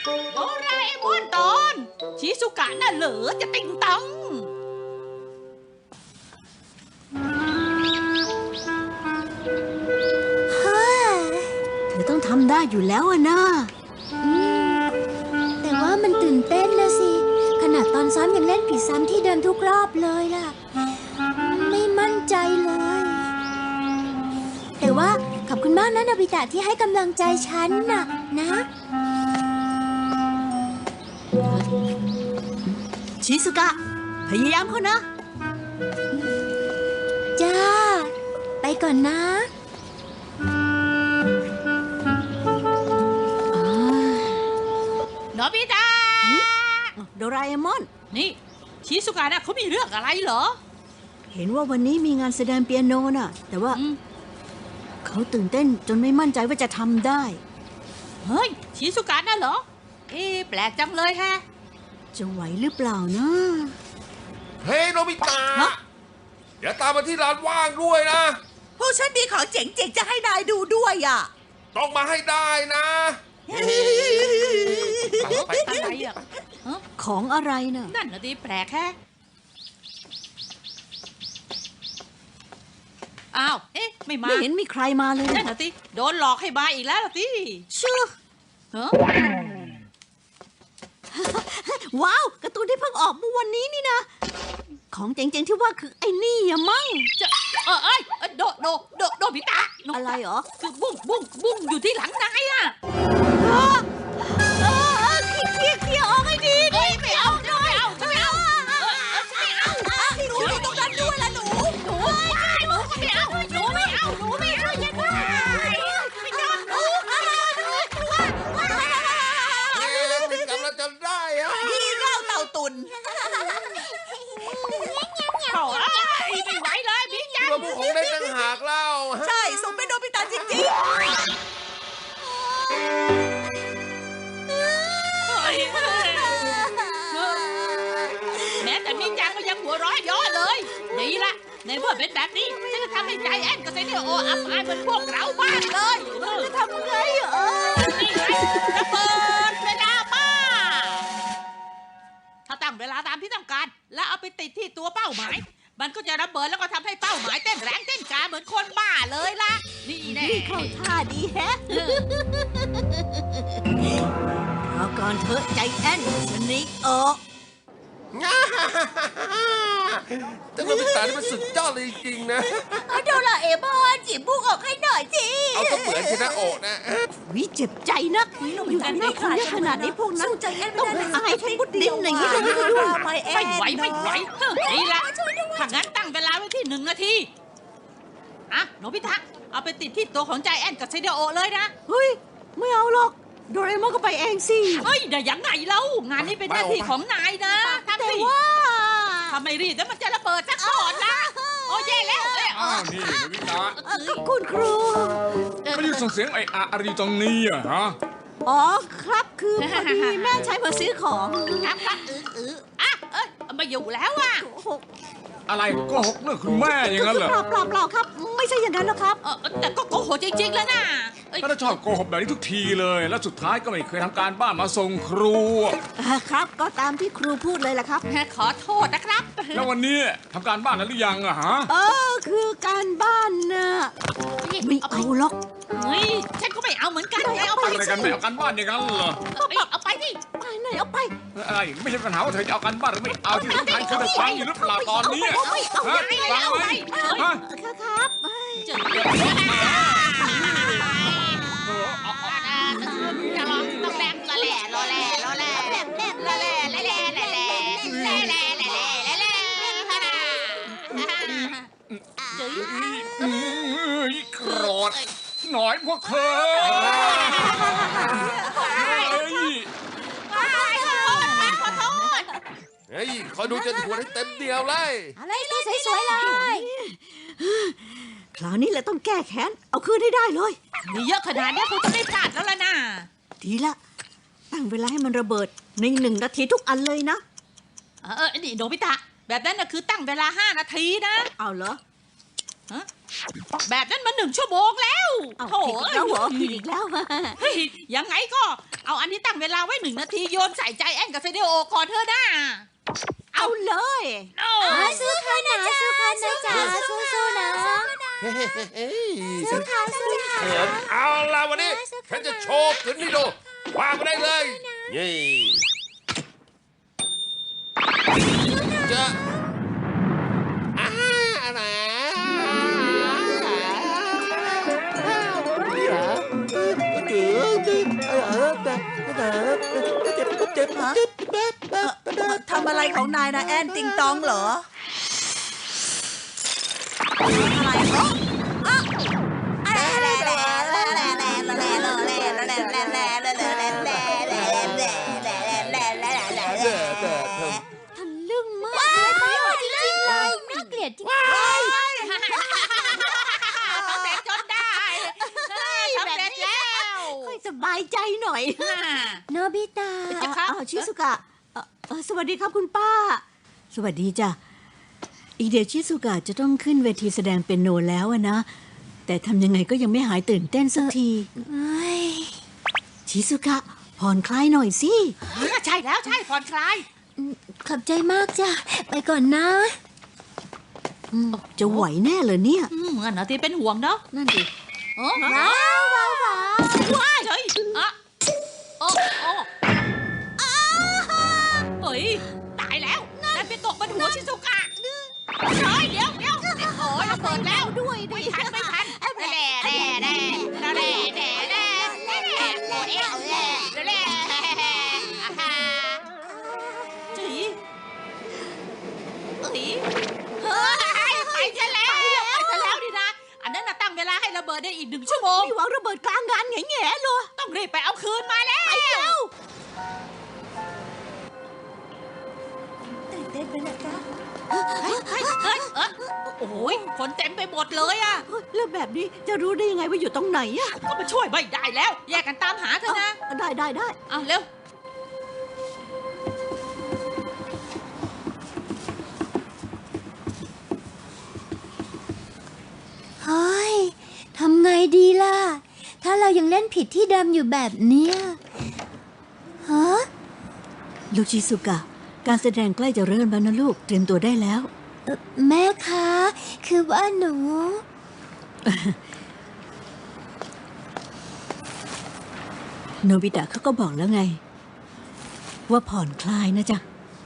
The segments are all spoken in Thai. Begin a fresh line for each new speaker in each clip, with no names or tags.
โดราเอมอนตอนชิซุกะน่ะเหลือจะติงตัง
เธอต้องทำได้อยู่แล้วอะนะ
แต่ว่ามันตื่นเต้นนะสิขนาดตอนซ้อมยังเล่นผิดซ้ำที่เดิมทุกรอบเลยล่ะไม่มั่นใจเลยแต่ว่าขอบคุณมากนะโนบิตะที่ให้กำลังใจฉันน่ะนะ
ชิซุกะพยายามเขานะ
จ้าไปก่อนนะ
โนบิตะ
โดราเอมอน
นี่ชิซุกะน่ะเขามีเรื่องอะไรเหรอ
เห็นว่าวันนี้มีงานแสดงเปียโนน่ะแต่ว่าเขาตื่นเต้นจนไม่มั่นใจว่าจะทำได้
เฮ้ยชิซุกะน่ะเหรอแปลกจังเลยฮะ
จะไหวหรือเปล่านะ
เฮ้ยโนบิตะเดี๋ยวตามมาที่ร้านว่างด้วยนะ
พวกฉันมีของเจ๋งๆจะให้นายดูด้วยอ่ะ
ต้องมาให้ได้นะ
อะไรอ่ะ
ของอะไรน่ะ
นั่นน่ะดิแปลกแฮะอ้าวไม่มา
ไม่เห็นมีใครมาเลย
นั่นน่ะดิโดนหลอกให้มาอีกแล้วล่ะดิ
ชื่อว้าวการ์ตูนที่เพิ่งออกเมื่อวันนี้นี่นะของเจ๋งๆที่ว่าคือไอ้นี่อะมั้ง
จะโดบิตะ
อะไรเหรอ
คือบุ้งอยู่ที่หลังนายอ่ะ
เคลียร์ออกให้ดีดิ
ไม่เอาหนู
อยู่ตรงนั้นด้วยล่ะหนู
ไม่เอาอย่าด้วยไม่ยอมหนู
กำ
ลังจะได้อะ
พี่เล่าเต่าตุน
ไม่ไหวเลยพี่จัง
เราผู้ของได้ตั้งหากเล่า
ใช่สมเป็นโนบิตะจริง
แม้แต่พี่จังก็ยังหัวร้อยย้อเลยดีละในเมื่อเป็นแบบนี้ฉันจะทำให้ใจแอนกับเซเนโออับอายเหมือนพวกเราบ้างเลย
จะทำไง
นี่ไงระเบิดเวลาป้าถ้าตั้งเวลาตามที่ต้องการแล้วเอาไปติดที่ตัวเป้าหมายมันก็จะระเบิดแล้วก็ทำให้เป้าหมายเต้นแรงเต้นกาเหมือนคนบ้าเลยล่ะนี่แน่
เข้าท่าดีแฮะรอก่อนเถอะใจแอนสนิกออก
เจ้าโนบิตะนี่มันสุดยอดเลยจริงๆนะ
โดราเอมอนจีบบุกออกให้หน่อยสิ
เอาก็เหมือนชนะโอะนะ
วิเจ็บใจนักอยู่กันได้คนเยอะขนาดนี้พวกนั้นต้องอายทั้งบุดดิ้นอย่างนี้เลย
ไม่ไหวนี่ละถ้างั้นตั้งเวลาไว้ที่1 นาทีโนบิตะเอาไปติดที่ตัวของใจแอนกับเซเดโอเลยนะ
เฮ้ยไม่เอาหรอกโดเรมอนก็ไปเองสิ
เฮ้ยได้ยังไงเล่างานนี้เป็นหน้าที่ของนายนะ
แต่ว่า
ทำไมรีบแล้วมันจะระเบิดซะก่อนนะโอ้แย่แล้ว
นี่โนบิตะ
คุณครู
ไม่ได้ส่งเสียงอะไรตรงนี้อะฮะ
อ๋อครับคือพอดีแม่ใช้มาซื้อของ
ครับมาอยู่แล้วอ่ะ
อะไรโกหกเรื่องคุณแม่อย่างนั้นเหรอ
เปล่าครับไม่ใช่อย่างนั้นหรอกครับ
แต่ก็โกหกจริงๆแล้วนะ
ถ้าชอบโกหกแบบนี้ทุกทีเลยแล้วสุดท้ายก็ไม่เคยทำการบ้านมาส่งครู
ครับก็ตามที่ครูพูดเลยแหละครับ
ขอโทษนะครับ
แล้ววันนี้ทำการบ้านนั้นหรือยังอะฮะ
คือการบ้านน่ะไม่เอาหรอก
ฉันก็ไม่เอาเหมือนกันเอาไป
อะไรกันไม่เอาการบ้านอย่างนั้นเหรอ
เอาไปดิ
ไปไหนเอาไป
อะไรไม่ใช่ปัญหาว่าเธอจะเอาการบ้านหรือไม่เอาที่สำคัญคือฟังอยู่หรือเปล่าตอนนี้
ฟังไหม
ครับ
ต้องแบงละแหล่
โกรธหน่อยพวกเธอ
เฮ้ยคอยดูจนหัวให้เต็มเดียวเลย
อะไรตัวสวยๆเลย
คราวนี้แหละต้องแก้แค้นเอาคืนให้ได้เลย
มีเยอะขนาดนี้คงจะไม่พลาดแล้วล่ะนะ
ดีละตั้งเวลาให้มันระเบิดใน1 นาทีทุกอันเลยนะ
นี่โนบิตะแบบนั้นนะคือตั้งเวลา5 นาทีนะ
เอาเหรอ
แบบนั้นมา1 ชั่วโมงแล้ว
โถ่แล้วเหรอผิดอีกแล้ว
ยังไงก็เอาอันนี้ตั้งเวลาไว้1 นาทีโยนใส่ใจแอนกับเซเดโอก่อนเธอหน้า
เอาเลย
สู้ค่ะนะสู้ค่ะนะจ๊ะสู้ๆนะสู้ค่ะสู้ค่ะ
เอาล่ะวันนี้ฉันจะโชว์ขึ้นให้ดูวางมาได้เลยนี่จะอะไร
ทำอะไรของนายนะแอนติงตองเหรอ
ทะลึ่งมากเลยจริงๆเลยน่าเกลียดจริงๆ
สำเร็จจนได้สำเร็จแล้ว
ค่อยสบายใจหน่อย
โนบิตะ
จะครับ
ชิสุกะสวัสดีครับคุณป้า สวัสดีจ้ะอีกเดี๋ยวชิสุกะจะต้องขึ้นเวทีแสดงเปียโนแล้วอะนะแต่ทำยังไงก็ยังไม่หายตื่นเต้นสักที
เอ้ย
ชิสุกะผ่อนคลายหน่อยสิ
ใช่แล้วใช่ผ่อนคลาย
ขอบใจมากจ้ะไปก่อนนะ
จะไหวแน่เลยเนี่ย
งั้นเหรอที่เป็นห่วงเนาะ
นั่นดิ
ว้าวว้าวว้าว
ว้ายเฮ้ยอะโอ้โอ้เฮ้ยตายแล้วนั่นไปตกบนหัวชิซุกะเฮ้ยเดี๋ยวโอ้ยระเบิดแล้วด้วยไม่ทันแด่แด่แด่แด่แด่แด่แด่โอ้เอ๊ะแด่แด่อาฮาจีเฮ้ยไปซะแล้วดินะอันนั้นน่ะตั้งเวลาให้ระเบิดได้อีก1 ชั่วโมง
มีหวังระเบิดกลางงานแง่ๆเลย
ต้องรีบไปเอาคืนมาแล้ว
ตื่นเต้นไปนะจ๊ะ
โอ้ยคนเต็มไปหมดเลยอ่ะ
แล้วแบบนี้จะรู้ได้ยังไงว่าอยู่ตรงไหนอะ
ก็มาช่วยไม่ได้แล้ว แยกกันตามหาเถอะนะ
ได้
เอาเร็ว
เฮ้ยทำไงดีล่ะ ถ้าเรายังเล่นผิดที่เดิมอยู่แบบเนี้ยฮะ
ลูกชิสุกะการแสดงใกล้จะเริ่มแล้วนะลูกเตรียมตัวได้แล้ว
แม่คะ คือว่าหนู
โนบิตะเขาก็บอกแล้วไง ว่าผ่อนคลายนะจ๊ะ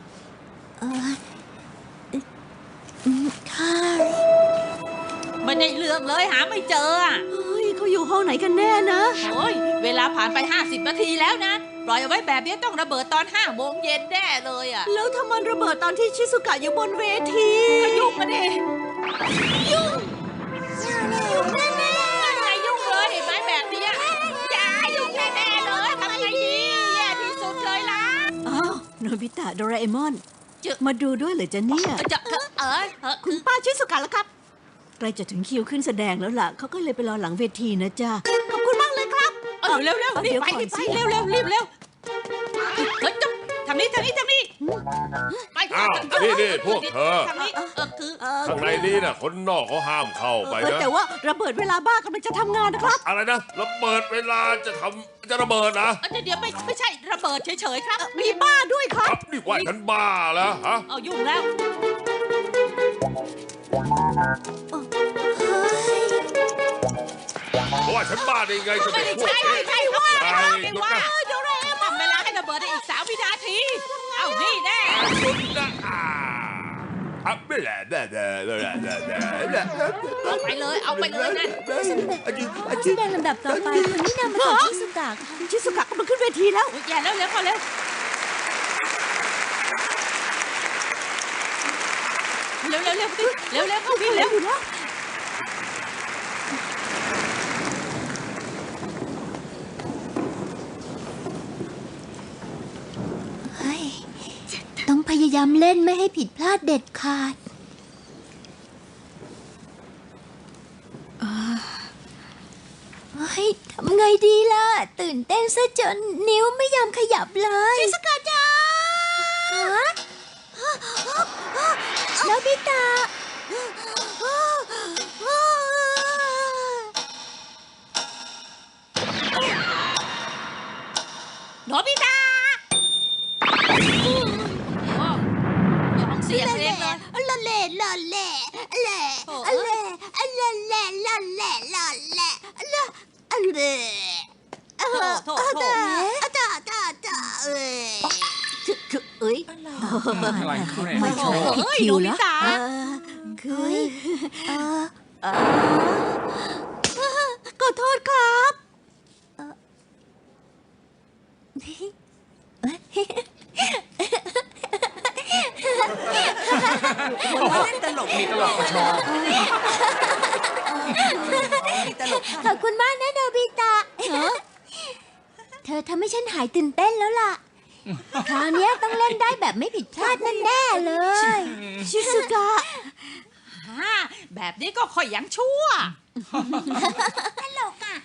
ค่ะ
ไม่ได้เรื่องเลยหาไม่เจออ่ะ
เฮ้ยเขาอยู่ห้องไหนกันแน่นะ
โอ้ยเวลาผ่านไป50 นาทีแล้วนะ ปล่อยเอาไว้แบบนี้ต้องระเบิดตอน5 โมงเย็นแน่เลยอ่ะ
แล้วถ้ามันระเบิดตอนที่ชิสุกะอยู่บนเวที
ก็ยุ่งมาดิยุ่งแน่ๆนั่นไงยุ่งเลยเห็นไหมแบบเนี้ยอย่ายุ่งแน่ๆเลยทำไงดีแย่ที่สุดเลยล่ะ
อ้าวโนบิตะโดราเอมอน
เจอ
มาดูด้วยเหรอจ๊ะเนี่ย คุณป้าชิสุกะแล้วครับใกล้จะถึงคิวขึ้นแสดงแล้วล่ะเขาก็เลยไปรอหลังเวทีนะจ๊ะขอบคุณมากเลยครับ
เร็วรีบ
เดี๋ยว
ไป
ก่อน
รีบไป
สิ
เร็วเร็วเฮ้ยจะทางนี้ไป
อ้าวนี่พวกเธอ
ทางนี้คือ
ข้างในนี้น่ะคนนอกเขาห้ามเข้าไปนะ
แต่ว่าระเบิดเวลาบ้ากำลังจะทำงานนะครับ
อะไรนะระเบิดเวลาจะระเบิดนะ
เดี๋ยวไม่ใช่ระเบิดเฉยๆครับ
มีบ้าด้วยค
ค
รั
รับ บนี่ว่าฉันบ้าแล้วฮะ
เอายุ่งแล้ว
เพราะว่าฉันบ้าได้ไงจะ
ไม่
เป็น
ได้
พวก
ใช่
เอ๊ะ
ไม่ว่า
ไอ้
ไม่
หยุด
ว่า
นะ
เดี๋ยวทำเวลาให้ระเบิดได้อีก3 วินาที เอานี่แน่
หยุดนะไม่แหละแด่
เอาไปเลยนั่น
แสดงลำดับต่อไปคนที่นำมาต่อชิสุกะค่ะ
ชิสุกะกำลังขึ้นเวทีแล้ว
อย่าเร็วเข้าเร็วเข้าวิ่งเร็ว
อยู่แล้ว
เฮ้ยต้องพยายามเล่นไม่ให้ผิดพลาดเด็ดขาดเฮ้ยทำไงดีล่ะ ตื่นเต้นซะจนนิ้วไม่ยอมขยับเลยชิสกาจ้าฮะโนบิตะ
โนบิตะยอมเสียเพลงเลย
ละเล่ละเล่เล่ละเล่ละเล่ละเล่ละเล่ละเล่
โถโถ
จ้าจ้าจ้าเอ้ย
คือเอ้ย
อะไรเขาเนี่ย
ไม่ใช่
เอ้ย
คิ
โน
ว
บิ
แล้ว
ตะ
คือ
เออ
ขอโทษครับ
ตลก
มีตลกกระชอ
ตลก
ขอบคุณมากนะโนบิตะเธอทำให้ฉันหายตื่นเต้นแล้วล่ะ คราวนี้ต้องเล่นได้แบบไม่ผิดพลาดแน่ๆเลย
ชิซุกะ
แบบนี้ก็ค่อยยังชั่ว
ตลกอ่ะ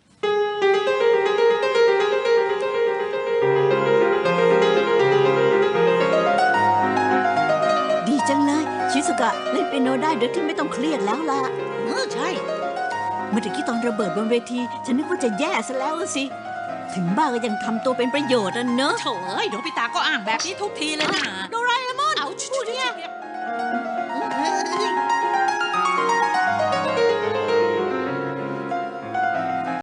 ดีจังเลย ชิซุกะเล่นเปียโนได้โดยที่ไม่ต้องเครียดแล้วล่ะ
ใช่
เมื่อกี้ตอนระเบิดบนเวที ฉันนึกว่าจะแย่ซะแล้วสิ ถึงบ้าก็ยังทำตัวเป็นประโยชน์อ่ะเนอะ
โถเอ้ยโนบิตะก็อ้างแบบนี้ทุกทีเลยนะ
โด